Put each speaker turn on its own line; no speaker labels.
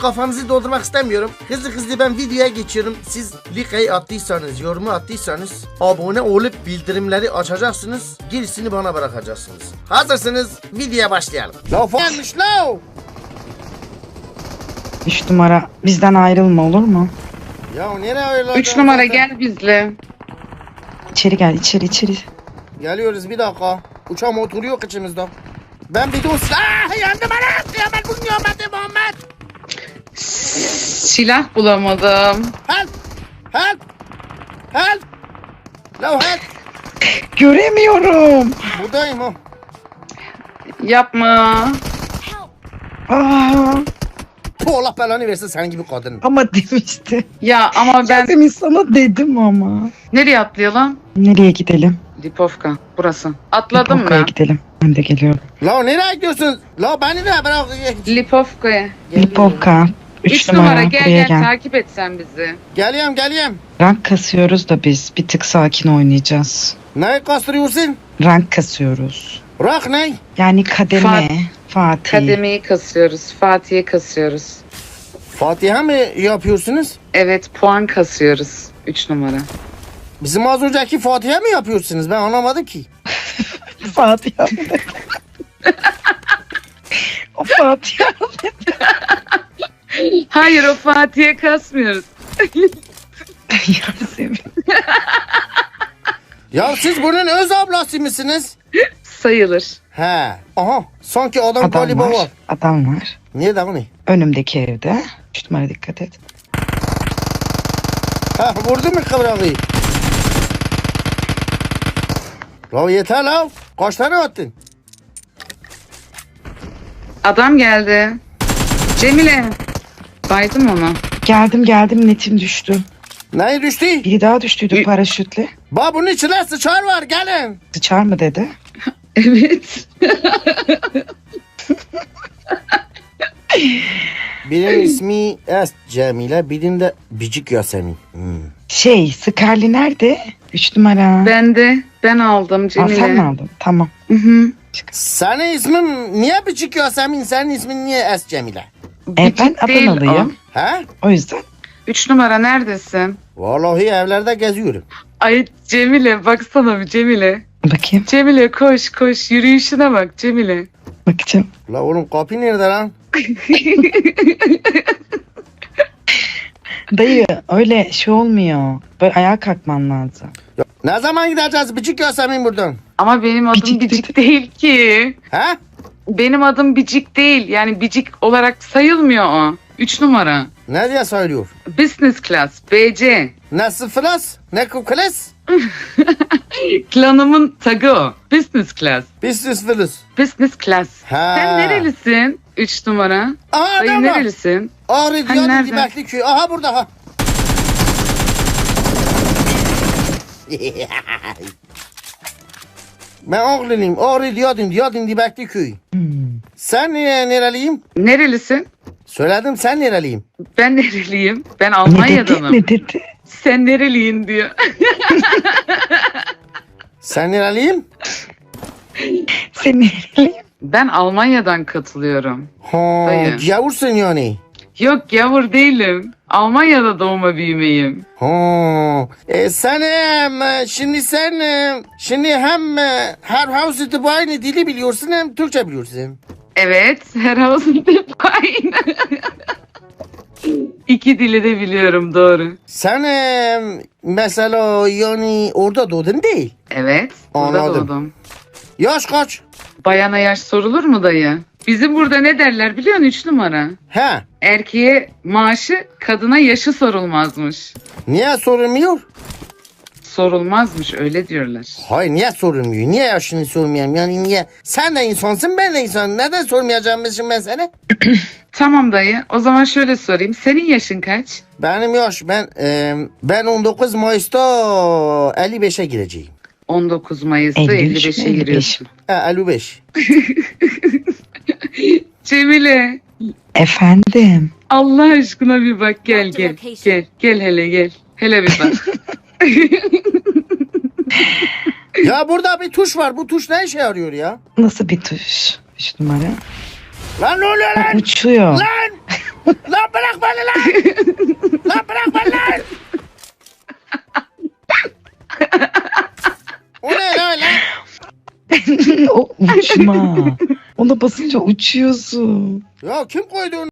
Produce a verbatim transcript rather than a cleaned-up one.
kafanızı doldurmak istemiyorum. Hızlı hızlı ben videoya geçiyorum. Siz like'ı attıysanız, yorumu attıysanız abone olup bildirimleri açacaksınız. Gerisini bana bırakacaksınız. Hazırsınız, videoya başlayalım. Laf gelmiş lo.
Üç numara bizden ayrılma olur mu?
Ya nereye öyle?
Üç numara gel bizle.
İçeri gel içeri içeri.
Geliyoruz bir dakika. Uçağım oturuyor içimizde. Ben bir dost. Ah yandım ana. Kıyamet bu kıyameti Muhammed.
Silah bulamadım.
Help. Help. Help. Lo help.
Göremiyorum.
Buradayım ha.
Yapma.
Aa,
Bu Allah belanı versin senin gibi kadın.
ama demişti.
Ya ama ben...
Demin sana dedim ama.
Nereye atlayalım?
Nereye gidelim?
Lipovka. Burası. Atladım
Lipovka'ya
mı?
gidelim. Ben de geliyorum.
La nereye gidiyorsun? La beni de bırak.
Lipovka'ya.
Lipovka. Üç,
Üç
numara,
numara gel
buraya
gel,
gel.
takip et sen bizi.
Geliyorum geliyorum.
Rank kasıyoruz da biz. Bir tık sakin oynayacağız.
Neyi kastırıyorsun?
Rank kasıyoruz.
Rak ne?
Yani kademe.
Fat-
Fatih.
Kademeyi kasıyoruz. Fatih'e kasıyoruz.
Fatiha mı yapıyorsunuz?
Evet, puan kasıyoruz. Üç numara.
Bizim az önceki Fatiha mı yapıyorsunuz? Ben anlamadım ki.
Fatih abi. O Fatih abi.
Hayır, o Fatih'e kasmıyoruz.
Yasemin.
Ya siz bunun öz ablası mısınız?
Sayılır.
He. Aha. Sanki adam,
Adam
galiba var.
var. Adam var.
Nerede o ne?
Önümdeki evde. Üç numara dikkat et.
Ha vurdu mu kıvrağı? La yeter la. Kaç tane attın?
Adam geldi. Cemile. Baydım onu.
Geldim geldim netim düştü.
Neyi düştü?
Biri daha düştüydü
Y-
paraşütle.
Ba bunun içine sıçar var gelin.
Sıçar mı dedi.
Evet.
Birinin ismi Es Cemile, birinin de Bicik Yasemin. Hmm.
Şey Scarly nerede? Üç numara.
Ben de. Ben aldım
Aa,
Cemile.
sen mi aldın? Tamam.
Hı hı.
Senin ismin niye Bicik Yasemin? Senin ismin niye Es Cemile?
E, ben
Bicik değil
Adanalıyım.
He?
O yüzden.
Üç numara neredesin?
Vallahi evlerde geziyorum.
Ay Cemile baksana bir Cemile.
Bakayım.
Cemile koş koş yürüyüşüne bak Cemile.
Bakacağım.
La oğlum kapı nerede lan?
Dayı öyle şey olmuyor. Böyle ayağa kalkman lazım.
Ya, ne zaman gideceğiz Bicik Yasemin buradan?
Ama benim adım
Bicik
Bicik,
dedi.
değil ki.
He?
Benim adım Bicik değil. Yani Bicik olarak sayılmıyor o. Üç numara.
Ne diye söylüyor?
Business class. B C.
Ne sıfıras? Ne kukles?
Klanımın tagı o. Business class.
Biz sıfırız.
Business class.
He.
Sen nerelisin? Üç numara.
Aha
Dayı
adam var.
nerelisin?
Ağrı
Hani
Diyadin
nerede?
Dibekli köy. Aha burada ha. Ben Ağrılıyım. Ağrı Diyadin, Diyadin Dibekli köy.
Hmm.
Sen e, nereliyim?
Nerelisin?
Söyledim sen nereliyim?
Ben nereliyim? Ben
Ne dedi?
Almanya'danım.
Ne dedi?
Sen nereliyin diyor.
Sen nereliyim?
Sen nereliyim?
Ben Almanya'dan katılıyorum.
Ha,
Dayı.
gavursun yani.
Yok gavur değilim. Almanya'da doğma büyümeyim.
Ha. E, sen e, şimdi sen e, şimdi hem e, her house aynı dili biliyorsun hem Türkçe biliyorsun.
Evet, her havasında hep aynı. İki dili de biliyorum doğru.
Sen e, mesela yani orada doğdun değil.
Evet, burada
Anladım.
doğdum.
Yaş kaç?
Bayana yaş sorulur mu dayı? Bizim burada ne derler biliyor musun? Üç numara.
He.
Erkeğe maaşı, kadına yaşı sorulmazmış.
Niye sorulmuyor?
Sorulmazmış öyle diyorlar.
Hayır niye sorulmuyor? Niye yaşını sormayayım? Yani niye? Sen de insansın ben de insanım. Neden sormayacağımızın ben sana?
Tamam dayı. O zaman şöyle sorayım. Senin yaşın kaç?
Benim yaş ben e, ben on dokuz Mayıs'ta elli beşe gireceğim.
on dokuz Mayıs'ta
elli üç
elli beşe
elli beş.
giriyorsun.
He elli beş.
Cemile.
Efendim.
Allah aşkına bir bak gel gel. Gel gel hele gel. Hele bir bak.
Ya burada bir tuş var. Bu tuş ne işe yarıyor ya?
Nasıl bir tuş? Üç numara.
Lan ne oluyor
Aa,
lan?
uçuyor.
Lan! Lan bırak beni lan! Lan bırak beni lan! O ne lan lan?
O uçma. Ona basınca uçuyorsun.
Ya kim koydu onu?